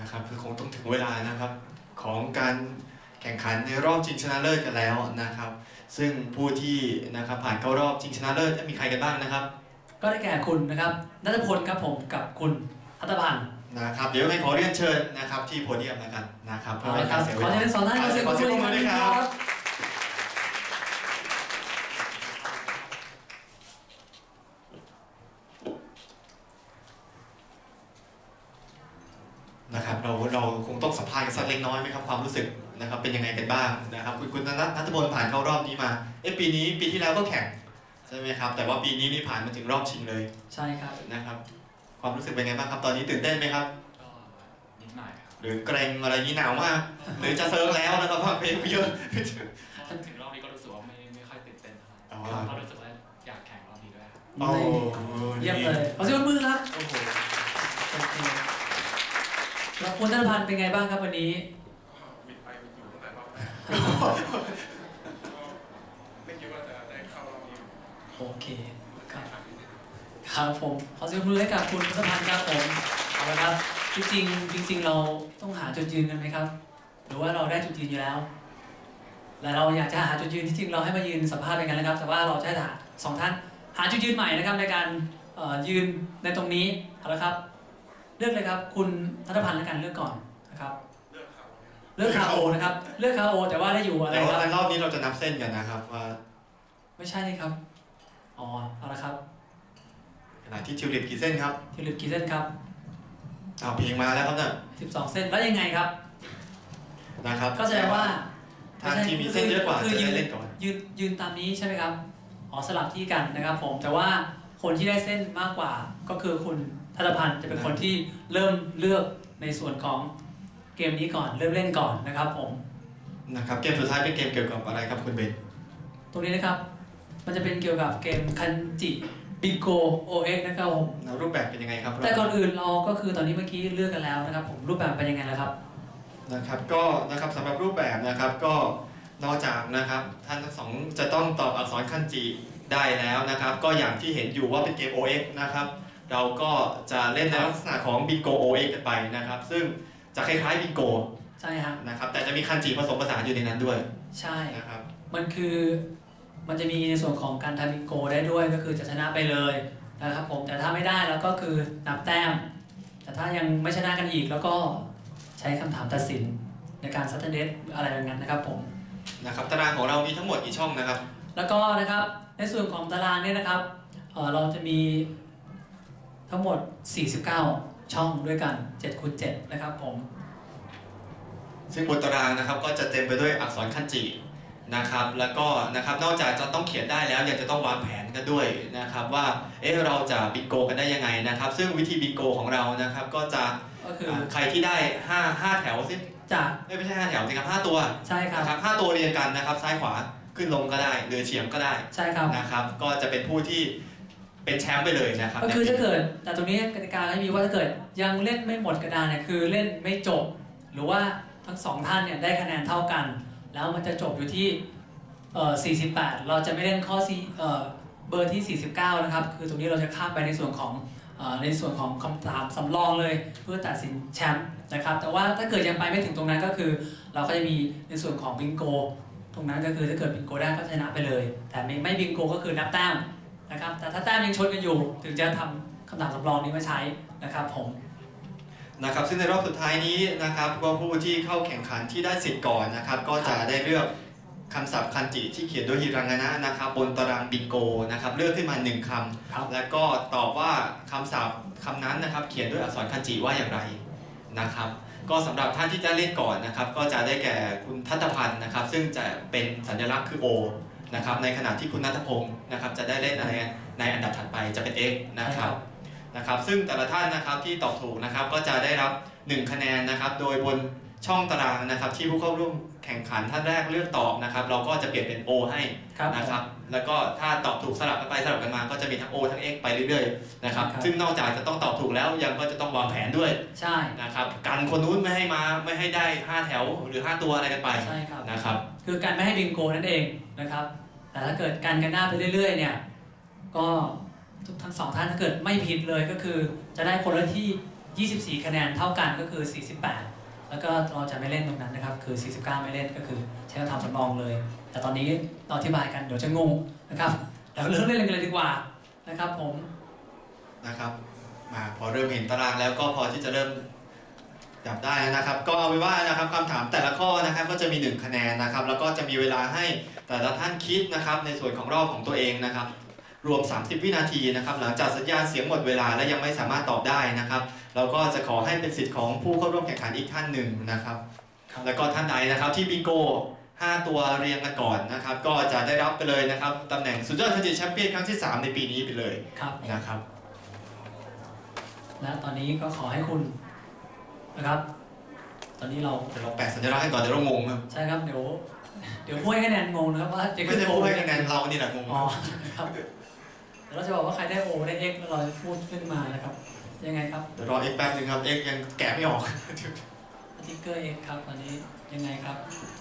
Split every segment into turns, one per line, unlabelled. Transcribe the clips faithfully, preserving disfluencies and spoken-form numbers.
นะครับคือคงต้องถึงเวลานะครับของการแข่งขันในรอบชิงชนะเลิศกันแล้วนะครับซึ่งผู้ที่นะครับผ่านเข้ารอบชิงชนะเลิศจะมีใครกันบ้างนะครับ
ก็ได้แก่คุณนะครับณัฐพลครับผมกับคุณทัตพันธ์
นะครับเดี๋ยวให้ขอเรียนเชิญนะครับที่โพเดียมแล้วกันนะครับ
เพื่อเป็นการเสียเวลาขอเชิญสองท่านขอเสียงปรบมือด้วยครับ
นะครับเราเราคงต้องสัมภาษณ์กันสักเล็กน้อยไหมครับความรู้สึกนะครับเป็นยังไงกันบ้างนะครับคุณคุณณัฐพลผ่านเข้ารอบนี้มาเอ๊ะปีนี้ปีที่แล้วก็แข่งใช่ไหมครับแต่ว่าปีนี้นี่ผ่านมาถึงรอบชิงเลย
ใช่ครับ
นะครับความรู้สึกเป็นไงบ้างครับตอนนี้ตื่นเต้นไหมครับ
ก็นิดหน่อยครับ
หรือเกรงอะไรนี้หนาวมากหรือจะเซิร์ฟแล้วนะครับฟังเพลงเยอะ
ถึงรอบนี้ก็รู้สึกว่าไม่ไม่ค่อยตื่นเต้นเท่าไหร่ก็รู้สึกว่าอยากแข่งรอบนี้ด้วยครับ
โอ้
เยี่ยมเลยขอเสียงปรบมือครับโอ้โหแล้วคุณณัฐพันธ์เป็นไงบ้างครับวันนี้
บิดไปบิดอยู่ตั้งแต่รอบแรกไม่คิดว่าจะได้เข้ารอบนี้
โอเคครับครับผมขอเสียงปรบมือให้กับคุณณัฐพันธ์ครับผมเอาละครับจริงๆจริงๆเราต้องหาจุดยืนกันไหมครับหรือว่าเราได้จุดยืนอยู่แล้วและเราอยากจะหาจุดยืนที่จริงเราให้มายืนสัมภาษณ์กันนะครับแต่ว่าเราจะให้สองท่านหาจุดยืนใหม่นะครับในการยืนในตรงนี้เอาละครับเลือกเลยครับคุณทัตพันธ์และกันเลือกก่อนนะครับเลือกคาโอเลือกคาโอนะครับเลือกคาโอแต่ว่าได้อยู่อะไรครับ
แต่รอบนี้เราจะนับเส้นกันนะครับว่า
ไม่ใช่นี่ครับอ๋อเอาละครับ
ขณะที่ทิวลิปกี่เส้นครับ
ทิวลิปกี่เส้นครับ
เอาเพลงมาแล้วครับเนี่ย
สิบสองเส้นแล้วยังไงครับ
นะครับ
ก็แสดงว่า
ทางที่มีเส้นเยอะกว่าจะได้เล่นก่อน
ยืนยืนตามนี้ใช่ไหมครับอ๋อสลับที่กันนะครับผมแต่ว่าคนที่ได้เส้นมากกว่าก็คือคุณทัตพันธ์จะเป็นคนที่เริ่มเลือกในส่วนของเกมนี้ก่อนเริ่มเล่นก่อนนะครับผม
นะครับเกมสุดท้ายเป็นเกมเกี่ยวกับอะไรครับคุณเบน
ตรงนี้นะครับมันจะเป็นเกี่ยวกับเกมคันจิบิโกโอเอ็กนะครับผม
รูปแบบเป็นยังไงครับ
แต่ก่อนอื่นเราก็คือตอนนี้เมื่อกี้เลือกกันแล้วนะครับผมรูปแบบเป็นยังไงแล้วครับ
นะครับก็นะครับสำหรับรูปแบบนะครับก็นอกจากนะครับท่านทั้งสองจะต้องตอบอักษรคันจิได้แล้วนะครับก็อย่างที่เห็นอยู่ว่าเป็นเกม โอ เอ็กซ์ นะครับเราก็จะเล่นในลักษณะของบิงโก โอ เอ็กซ์ กันไปนะครับซึ่งจะคล้ายๆบิงโก
ใช่ครับ
นะครับแต่จะมีคันจิผสมผสานอยู่ในนั้นด้วย
ใช่
นะครับ
มันคือมันจะมีในส่วนของการทำบิงโกได้ด้วยก็คือจะชนะไปเลยนะครับผมแต่ถ้าไม่ได้แล้วก็คือนับแต้มแต่ถ้ายังไม่ชนะกันอีกแล้วก็ใช้คำถามตัดสินในการซัตเทเดตอะไรแบบนั้นนะครับผม
นะครับตารางของเรามีทั้งหมดกี่ช่องนะครับ
แล้วก็นะครับในส่วนของตารางเนี่ยนะครับ เอ่อ เราจะมีทั้งหมดสี่สิบเก้าช่องด้วยกันเจ็ดคูณเจ็ดนะครับผม
ซึ่งบนตารางนะครับก็จะเต็มไปด้วยอักษรคันจินะครับแล้วก็นะครับนอกจากจะต้องเขียนได้แล้วยังจะต้องวางแผนกันด้วยนะครับว่าเอ๊ะเราจะบิงโกกันได้ยังไงนะครับซึ่งวิธีบิงโกของเรานะครับก็จะ
ก็คือ
ใครที่ได้ห้า ห้าแถวสิ
จาก
ไม่ใช่ห้าแถวสิครับห้าตัว
ใช่ครับ
นะครับห้าตัวเรียงกันนะครับซ้ายขวาขึ้นลงก็ได้หรือเฉียงก็ได้
ใช่ครับ
นะครับก็จะเป็นผู้ที่เป็นแชมป์ไปเลยนะครับ
ก็คือถ้าเกิดแต่ตรงนี้กติกาให้มีว่าถ้าเกิดยังเล่นไม่หมดกระดานเนี่ยคือเล่นไม่จบหรือว่าทั้งสองท่านเนี่ยได้คะแนนเท่ากันแล้วมันจะจบอยู่ที่เอ่อสี่สิบแปดเราจะไม่เล่นข้อเอ่อเบอร์ที่สี่สิบเก้านะครับคือตรงนี้เราจะข้ามไปในส่วนของเอ่อในส่วนของคำถามสำรองเลยเพื่อตัดสินแชมป์นะครับแต่ว่าถ้าเกิดยังไปไม่ถึงตรงนั้นก็คือเราก็จะมีในส่วนของบิงโกตรงนั้นก็คือถ้าเกิดบิงโกได้ก็ชนะไปเลยแต่ไม่ไม่บิงโกก็คือนับแต้มนะครับแต่ถ้าแต้มยังชนกันอยู่ถึงจะทำคำถามสำรองนี้มาใช้นะครับผม
นะครับซึ่งในรอบสุดท้ายนี้นะครับก็ผู้ที่เข้าแข่งขันที่ได้สิทธิ์ก่อนนะครับก็จะได้เลือกคำศัพท์คันจิที่เขียนด้วยฮิรังานะนะครับบนตารางบิงโกนะครับเลือกขึ้นมาหนึ่งคำแล้วก็ตอบว่าคำศัพท์คำนั้นนะครับเขียนด้วยอักษรคันจิว่าอย่างไรนะครับก็สำหรับท่านที่จะเล่นก่อนนะครับก็จะได้แก่คุณทัตพันธ์นะครับซึ่งจะเป็นสัญลักษณ์คือ O นะครับในขณะที่คุณณัฐพงศ์นะครับจะได้เล่นอะไรในอันดับถัดไปจะเป็น X นะครับนะครับซึ่งแต่ละท่านนะครับที่ตอบถูกนะครับก็จะได้รับหนึ่งคะแนนนะครับโดยบนช่องตารางนะครับที่ผู้เข้าร่วมแข่งขันท่านแรกเลือกตอบนะครับเราก็จะเปลี่ยนเป็น O ให้นะครับแล้วก็ถ้าตอบถูกสลับกันไปสลับกันมาก็จะมีทั้ง O ทั้ง X ไปเรื่อยๆนะครับซึ่งนอกจากจะต้องตอบถูกแล้วยังก็จะต้องวางแผนด้วย
ใช่
นะครับกันคนนู้นไม่ให้มาไม่ให้ได้ห้าแถวหรือห้าตัวอะไรกันไป
ใช่ครับ
นะครับ
คือการไม่ให้บิงโกนั่นเองนะครับแต่ถ้าเกิดกันกันหน้าไปเรื่อยๆเนี่ยก็ทุกทั้งสองท่านถ้าเกิดไม่ผิดเลยก็คือจะได้คนละที่ยี่สิบสี่คะแนนเท่ากันก็คือสี่สิบแปดแล้วก็เราจะไม่เล่นตรงนั้นนะครับคือสี่สิบเก้าไม่เล่นก็คือใช้คำทำสำรองเลย แต่ตอนนี้เราอธิบายกันเดี๋ยวจะงงนะครับเราเริ่มเล่นกันเลยดีกว่านะครับผม
นะครับมาพอเริ่มเห็นตารางแล้วก็พอที่จะเริ่มจับได้นะครับก็เอาไว้ว่านะครับคำถามแต่ละข้อนะครับก็จะมีหนึ่งคะแนนนะครับแล้วก็จะมีเวลาให้แต่ละท่านคิดนะครับในส่วนของรอบของตัวเองนะครับรวมสามสิบวินาทีนะครับหลังจากสัญญาณเสียงหมดเวลาและยังไม่สามารถตอบได้นะครับเราก็จะขอให้เป็นสิทธิ์ของผู้เข้าร่วมแข่งขันอีกท่านหนึ่งนะครับแล้วก็ท่านใดนะครับที่บิงโกห้าตัวเรียงกันก่อนนะครับก็จะได้รับไปเลยนะครับตำแหน่งสุดยอดคันจิแชมเปี้ยนครั้งที่สามในปีนี้ไปเลยนะครับ
และตอนนี้ก็ขอให้คุณนะครับตอนนี้เรา
เดี๋ยวเราแปะสัญลักษณ์ให้ก่อนเดี๋ยวเรางงครับ
ใช่ครับเดี๋ยวเดี๋ยวพูดให้คะแนนงงนะครับว่าจะ
ไม่ได้พูดให้คะแนนเรานี่แหละงง
อ๋อครับเดี๋ยวเราจะบอกว่าใครได้โอได้เอ็กแล้วเราจะพูดขึ้นมานะครับยังไงครับ
เดี๋ยวรอเอ็กแป๊บนึงครับเอ็กยังแกะไม่ออก
ติ๊กเกอร์เอ็กครับตอนนี้ยังไงครับ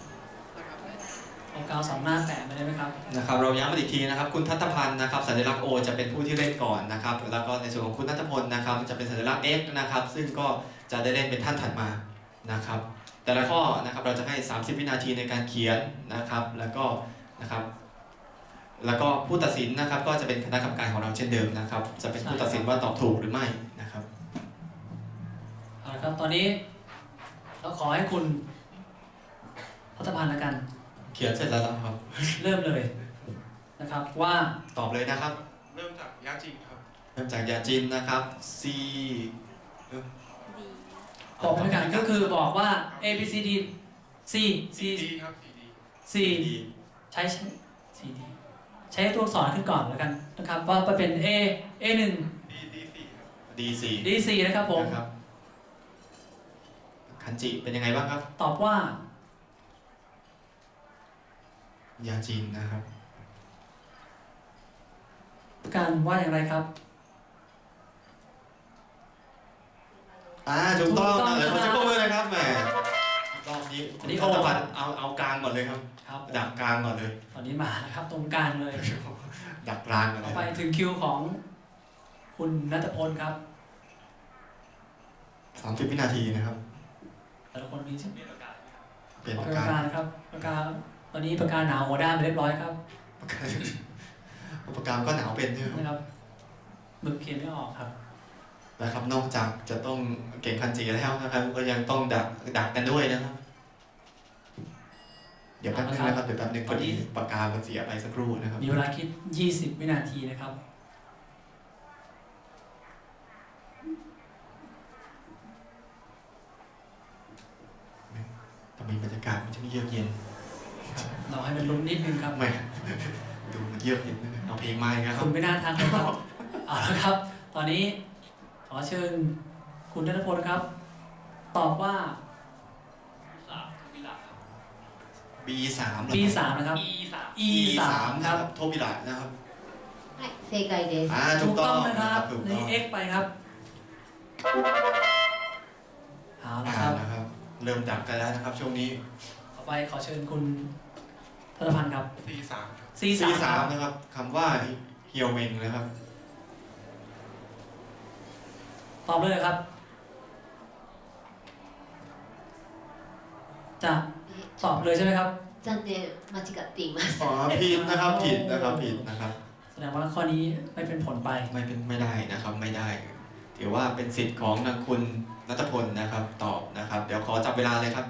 เอากาวสองหน้าแปะมาได้ไหมครับ
นะครับเราย้ำมาอีกทีนะครับคุณทัตพันธ์นะครับสัญลักษณ์ O จะเป็นผู้ที่เล่นก่อนนะครับแล้วก็ในส่วนของคุณนัทพลนะครับจะเป็นสัญลักษณ์ X นะครับซึ่งก็จะได้เล่นเป็นท่านถัดมานะครับแต่ละข้อนะครับเราจะให้สามสิบวินาทีในการเขียนนะครับแล้วก็นะครับแล้วก็ผู้ตัดสินนะครับก็จะเป็นคณะกรรมการของเราเช่นเดิมนะครับจะเป็นผู้ตัดสินว่าตอบถูกหรือไม่นะครับ
เอาละครับตอนนี้เราขอให้คุณทัตพันธ์ละกัน
เขียนเสร็จแล้วครับ
เริ่มเลยนะครับว่า
ตอบเลยนะครับ
เริ่มจากยาจีนครับ
เริ่มจากยาจีนนะครับ C
บอกเป็นกันก็คือบอกว่า A B C D C C
D ครับ
C ใช้ C D ใช้ตัวอักษรขึ้นก่อนแล้วกันนะครับว่าเป็น A A หนึ่ง
D สี่
D สี่นะครับผม
คันจิเป็นยังไงบ้างครับ
ตอบว่าย
าจีนนะครับ
การว่าอย่างไรครับ
อ่าถูกต้องนะเดี๋ยวขอจะพูดเลยนะครับแหมรอบนี้
อันนี้
โอ้พันเอาเอากลางก่อนเลยครับ
ครับ
ดักกลางก่อนเลย
ตอนนี้มานะครับตรงกลางเลย
ดักกลางก่อนเลย
ไปถึงคิวของคุณณัฐพลครับ
สามสิบวินาทีนะครับ
แต่ละคนมีชื่อ
เปลี่ยนปากกา
เปลี่ยนปากกานะครับปากกาตอนนี้ปากกาหนาวหัวด้านไปเรียบร้อยครับ
ปากกาก็หนาวเป็นใช่ไหม
ครับมึกเขียนไม่ออกครับ
นะครับนอกจากจะต้องเก่งคันจิแล้วนะครับก็ยังต้องดักดักกันด้วยนะครับเดี๋ยวแป๊บนึงนะครับเดี๋ยวแป๊บนึงพอดีปากกามันเสียไปสักครู่นะครับ
มีเวลาคิดยี่สิบวินาทีนะครับ
ทำไมบรรยากาศมันจะไม่เยือกเย็น
เราให้มันลุ้นนิดนึงครับ
ไม่ดูมันเยือกเย็นนะเอาเพลงมาครับ
คุณไม่น่าทางเลยครับเอาละครับตอนนี้ขอเชิญคุณณัฐพลครับตอบว่า
B สาม
B สามนะครับ
E
สาม
ครับโทบิระนะครับ
正解です
อ่า
ถูกต้องนะครับนี่ X ไปครับเอาละครับ
เริ่มดักกันแล้วนะครับช่วงนี้
ต่อไปขอเชิญคุณทัตพันธ์ครับ
C สาม
C สาม
นะครับคำว่าเฮียวเมงนะครับ
ตอบเลยครับจะตอบเลยใช่ไหมครับ
残念間違っています
อ๋อผิดนะครับผิดนะครับผิดนะครับ
แสดงว่าข้อนี้ไม่เป็นผลไป
ไม่เป็นไม่ได้นะครับไม่ได้ถือว่าเป็นสิทธิ์ของทางคุณณัฐพลนะครับตอบนะครับเดี๋ยวขอจับเวลาเลยครับ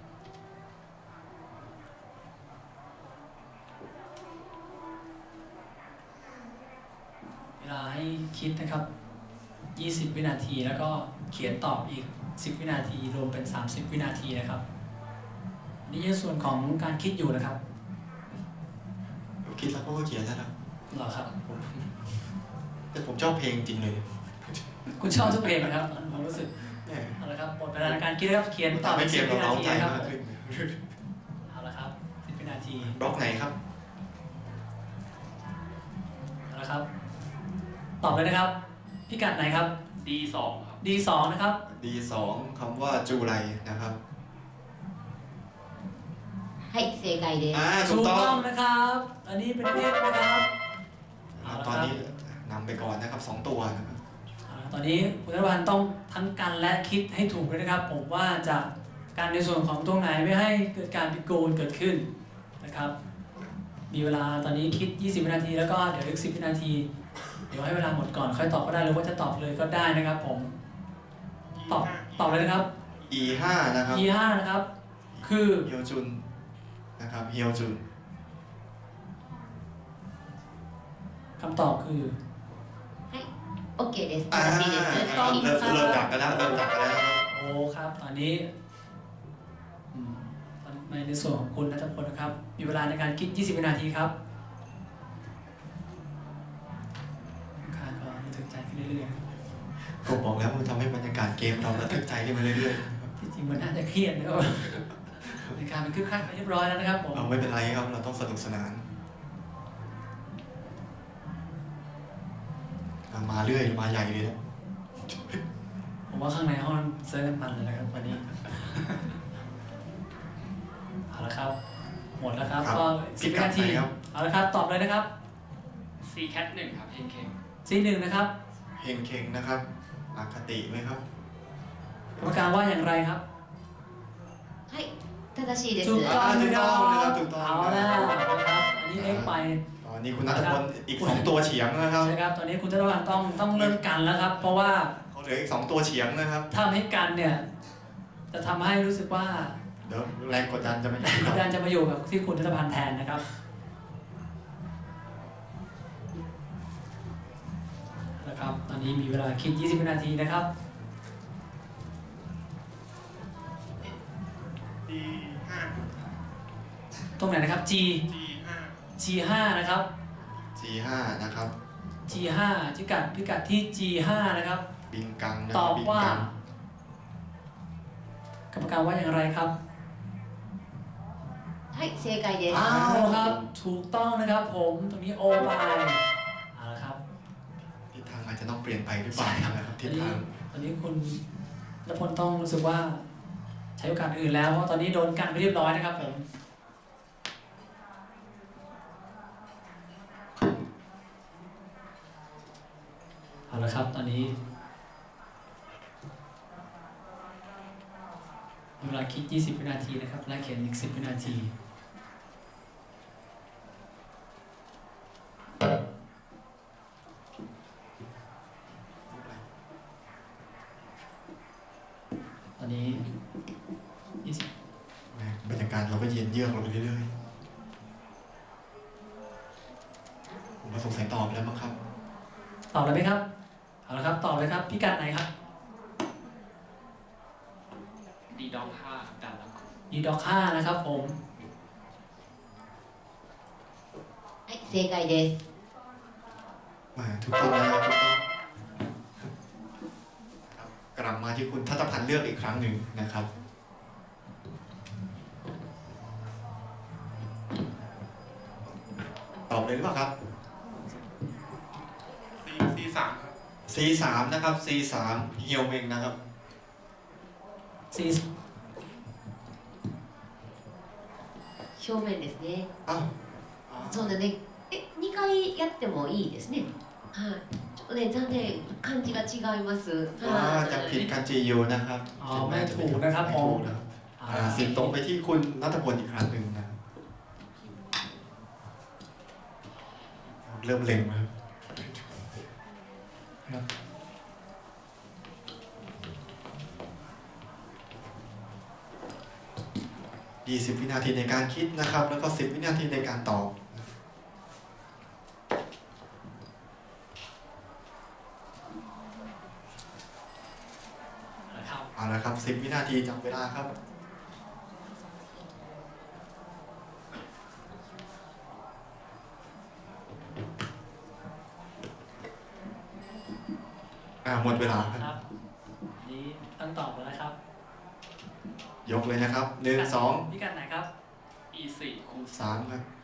เวลาให้คิดนะครับยี่สิบวินาทีแล้วก็เขียนตอบอีกสิบวินาทีรวมเป็นสามสิบวินาทีนะครับนี่คือส่วนของการคิดอยู่นะครับ
คิดแล้วก็เขียนแล้วครับ
หรอครับ
แต่ผมชอบเพลงจริงเลย
คุณชอบทุกเพลงนะครับผมรู้สึกเอาละครับหมดเวลาในการคิดแล้วเขียนตอบสิบวินาทีครับเอาละครับสิบวินาที
บล็อกไหนครับ
เอาละครับตอบเลยนะครับพิกัดไหนครับ
D สองครับ
D สองนะครับ
D สองคำว่าจูไรนะครับ
はい正解です
ถูกต้องนะครับอันนี้เป็นเลขนะครับ
ตอนนี้นำไปก่อนนะครับสองตัวนะครับ
ตอนนี้คุณธนพันธ์ต้องทั้งกันและคิดให้ถูกเลยนะครับ ผมว่าจะการในส่วนของตรงไหนไม่ให้เกิดการบิดโกนเกิดขึ้นนะครับ มีเวลาตอนนี้คิดยี่สิบวินาทีแล้วก็เดี๋ยวอีกสิบวินาทีเดี๋ยวให้เวลาหมดก่อนค่อยตอบก็ได้หรือว่าจะตอบเลยก็ได้นะครับผมตอบตอบเลยนะครับ
อี ห้า นะครับ
อี ห้า นะครับ คือ
เฮียวจุนนะครับเฮียวจุน
คำตอบคือ
はい OK です
อ่า
正しいです
ต้อง
เริ่มเริ่มดักกันแล้วเริ่มดักกันแล้ว
โอ้ครับตอนนี้อืมในส่วนของคุณณัฐพลนะครับ มีเวลาในการคิดยี่สิบวินาทีครับค่าก็ระทึกใจขึ้นเรื่อย
ผมบอกแล้วมันทำให้บรรยากาศเกมเราระทึกใจขึ้นมาเรื่อย
ๆที่จริงมันน่าจะเครียดนะครับในการเป็นคึกคักไปเรียบร้อยแล้วนะครับผม
ๆเอาไม่เป็นไรครับเราต้องสนุกสนานอ่ะมาเรื่อยมาใหญ่เลยนะ
ผมว่าข้างในห้องเซิร์ฟกันมันเลยนะครับวันนี้ เอาละครับ หมดแล้วครับ
ครับ
ก็สิบวินาที
พิกัดไหนครับ
เอาละครับ ตอบเลยนะครับ
ซีแคทหนึ่งครับเฮงเคง
ซีหนึ่งนะครับ
เฮงเคงนะครับอคติไหมครับ
กรรมการว่าอย่างไรครับ
はい正しいです
ถูกต้อง
ถู
นะ
ก
ค
ต้
รั
องนะครับ
บ
ถูกต้อง
เอาแล้วนะครับ อันนี้เอ็กไป
ตอนนี้คุณนัทพลอีกสองตัวเฉียงนะครับ
ใช่ครับ ตอนนี้คุณธนวัฒน์ต้องต้องเริ่มกันแล้วครับ เพราะว่า
เขาเหลืออีกสองตัวเฉียงนะครับ
ถ้าไม่กันเนี่ย จะทำให้รู้สึกว่า
เดี๋ยวแรงกดดันจะไม่อยู่
กดดันจะมาอยู่กับที่คุณธนพันธ์แทนนะครับนะครับ ตอนนี้มีเวลาคิดยี่สิบวินาทีนะครับ
ดีห้า
ตรงไหนนะครับ G
ดีห้า
G ห้านะครับ
จีห้านะครับ
G ห้าพิกัดพิกัดที่ G ห้านะครับ
บิงกังนะ
ต
ค
อ
รับบ บิง
ว่า
กัง
กรรมการว่าอย่างไรครับ
はい正解です
อ้าวครับ ถูกต้องนะครับผมตรงนี้โอไปเอาละครับ
ทิศทางอาจจะต้องเปลี่ยนไปหรือเปล่านะครับ
ต
ทิ
อ
ศ
นนี้
ทาง
ตอนนี้คุณณพลต้องรู้สึกว่าใช้โอกาสอื่นแล้วเพราะตอนนี้โดนกันไปเรียบร้อยนะครับผมเอาละครับตอนนี้เวลาคิดยี่สิบวินาทีนะครับและเขียนอีกสิบวินาทีตอนนี้ยี่สิบบ
รรยากาศเราก็เย็นเยือกลงไปเรื่อยๆผมว่าสงสัยตอบแล้วมั้งครับ
ตอบเลยไหมครับเอาละครับตอบเลยครับพิกัดไหนครับ
ดีดองห้าครับดันแล้วครับ
ดีด็อกห้านะครับผม
はい正解です
มาถูกต้องนะครับถูกต้องครับกลับมาที่คุณทัตพันธ์เลือกอีกครั้งหนึ่งนะครับ ตอบเลยหรือเปล่าครับ
ซีซีสามครับ
ซี สาม นะครับ ซี สาม เฮียวเมงนะครับ
สี่
正面ですね
อ้าว
そうだねえにかいやってもいいですねはいちょっとね残念漢字が違います
ว่า
は
จะผิด
い
การจีโยนะครับ
อ๋อไม่ถูกนะครับ
ไม่
ผ
ถู
ม
กนะครับอ่าสิบตรงไปที่คุณนัทพลอีกครั้งหนึ่งนะเริ่มเล็งแล้ว
ครับ
ยี่สิบวินาทีในการคิดนะครับ แล้วก็สิบวินาทีในการตอบ
นะครับ
เอาละครับสิบวินาทีจับเวลาครับ อ่าหมดเวลาค
ครับ รับนี่ต้องตอบแล้วนะครับ
ยกเลยนะครับหนึ่งสอง
พิกัดไหนครับ
อีสี่คูณ
สามครับ